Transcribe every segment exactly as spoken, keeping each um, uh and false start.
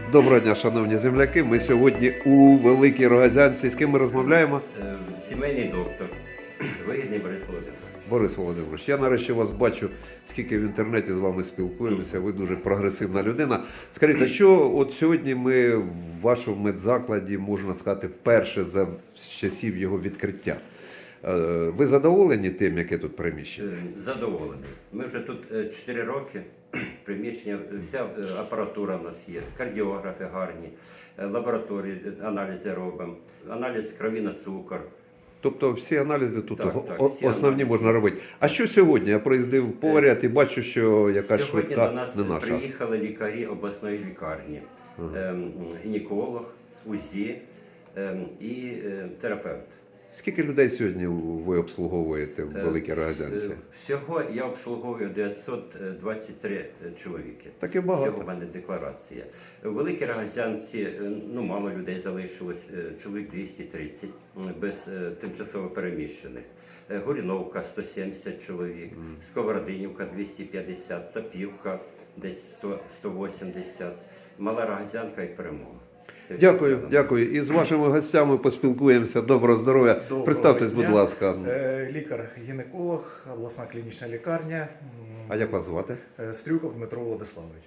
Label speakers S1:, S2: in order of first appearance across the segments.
S1: Доброго дня, шановні земляки. Ми сьогодні у Великій Рогазянці. З ким ми розмовляємо?
S2: Е, Сімейний доктор. Вигідний Борис Володимирович.
S1: Борис Володимирович, я нарешті вас бачу, скільки в інтернеті з вами спілкуємося. Ви дуже прогресивна людина. Скажіть, а що от сьогодні ми в вашому медзакладі, можна сказати, вперше за з часів його відкриття? Е, Ви задоволені тим, яке тут приміщення?
S2: Е, Задоволений. Ми вже тут чотири роки. Приміщення, вся е, апаратура в нас є, кардіографи гарні, е, лабораторії, е, аналізи робимо, аналіз крові на цукор.
S1: Тобто всі аналізи тут
S2: Так,
S1: о-
S2: так,
S1: о-
S2: всі
S1: основні
S2: аналізи.
S1: можна робити. А що сьогодні? Я проїздив поряд і бачу, що якась
S2: Сьогодні
S1: швидка
S2: до нас
S1: не наша.
S2: приїхали лікарі обласної лікарні, ем, гінеколог, УЗІ ем, і е, терапевт.
S1: Скільки людей сьогодні ви обслуговуєте в Великій Рогазянці?
S2: Е, Всього я обслуговую дев'ятсот двадцять три чоловіки.
S1: Таке багато.
S2: Всього в мене декларація. В Великій Рогазянці е, ну, мало людей залишилось, е, чоловік двісті тридцять без е, тимчасово переміщених. Е, Горіновка сто сімдесят чоловік, Сковородинівка двісті п'ятдесят, Цапівка десь сто, сто вісімдесят, Мала Рогазянка і Перемога. Це
S1: Дякую,
S2: все.
S1: дякую. І з вашими гостями поспілкуємося. Доброго здоров'я.
S3: Доброго
S1: Представтесь, будь
S3: дня.
S1: ласка.
S3: Е, Лікар-гінеколог, обласна клінічна лікарня.
S1: А як вас звати?
S3: Е, Стрюков Дмитро Владиславович.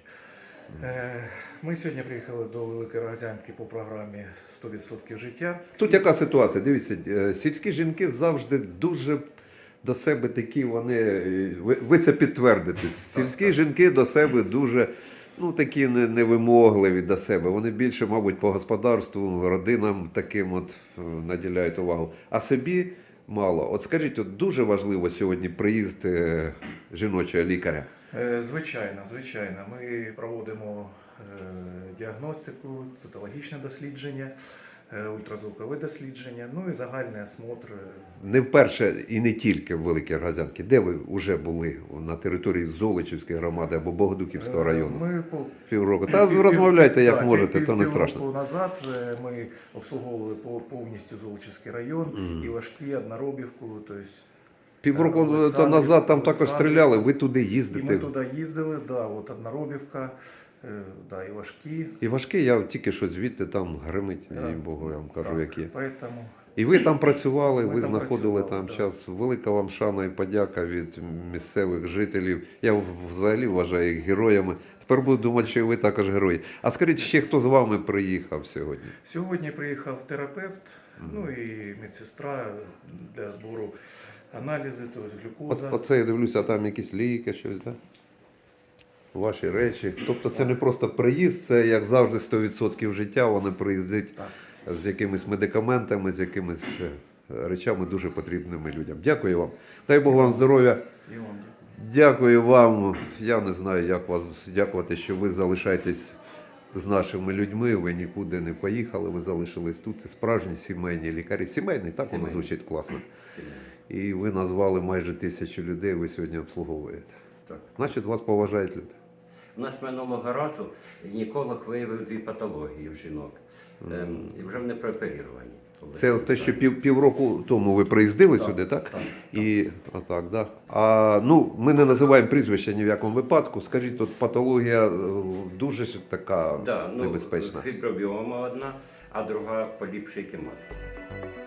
S3: Е, Ми сьогодні приїхали до Великої Рогазянки по програмі сто відсотків життя.
S1: Тут яка ситуація? Дивіться, е, сільські жінки завжди дуже до себе такі, вони, е, ви, ви це підтвердите. Сільські жінки до себе дуже, ну, такі не- невимогливі до себе. Вони більше, мабуть, по господарству, родинам таким от е, наділяють увагу. А собі мало. От скажіть, от дуже важливо сьогодні приїзд е, жіночого лікаря.
S3: Е, Звичайно, звичайно. Ми проводимо е, діагностику, цитологічне дослідження, е, ультразвукове дослідження, ну і загальний осмотр.
S1: Не вперше і не тільки в Великій Рогазянці. Де ви вже були? На території Золочівської громади або Богодуківського
S3: Е,
S1: району?
S3: Ми по
S1: Півроку. Та
S3: Пів-
S1: розмовляйте як
S3: так,
S1: можете,
S3: пів-
S1: то не
S3: півроку
S1: страшно.
S3: назад е, ми обслуговували по- повністю Золочівський район, і важкі, Одноробівку, тобто
S1: Півроку то
S3: Олександрів,
S1: назад там також
S3: Олександрів.
S1: стріляли, ви туди
S3: і ми
S1: їздите.
S3: туди їздили, да, от Одноробівка, е, да, і важкі.
S1: І важкий, я тільки що звідти там гримить,
S3: Да.
S1: їй Богу, я вам кажу,
S3: Так,
S1: які.
S3: Поэтому
S1: І ви там працювали,
S3: Ми
S1: ви
S3: там
S1: знаходили
S3: працювали,
S1: там
S3: да.
S1: час. Велика вам шана і подяка від місцевих жителів. Я взагалі вважаю їх героями. Тепер буду думати, що і ви також герої. А скажіть, ще хто з вами приїхав сьогодні?
S3: сьогодні приїхав терапевт, ну і медсестра для збору аналізи, тобто
S1: От,
S3: глюкоза.
S1: оце я дивлюся, а там якісь ліки, щось, так? Ваші речі. Тобто це не просто приїзд, це, як завжди, сто відсотків життя. Вони приїздять
S3: Так.
S1: з якимись медикаментами, з якимись е, речами дуже потрібними людям. Дякую вам. Дай Бог вам здоров'я.
S3: І вам дякую.
S1: Дякую вам. Я не знаю, як вас дякувати, що ви залишаєтесь з нашими людьми. Ви нікуди не поїхали, ви залишились тут. Це справжні сімейні лікарі. Сімейний, так воно
S2: Сімейний.
S1: звучить класно.
S2: Сімейний.
S1: І ви назвали майже тисячу людей, ви сьогодні обслуговуєте.
S2: Так.
S1: Значить, вас поважають люди.
S2: У нас минулого разу гінеколог виявив дві патології в жінок. Ем, і вже вони прооперіровані.
S1: Це те, що пів, півроку тому ви приїздили
S2: Так,
S1: сюди, так?
S2: так,
S1: І отак, да. А ну, ми не називаємо прізвища ні в якому випадку. Скажіть, тут патологія е, дуже ж така
S2: Да, ну,
S1: небезпечна.
S2: фібробіома одна, а друга поліпшийки матки.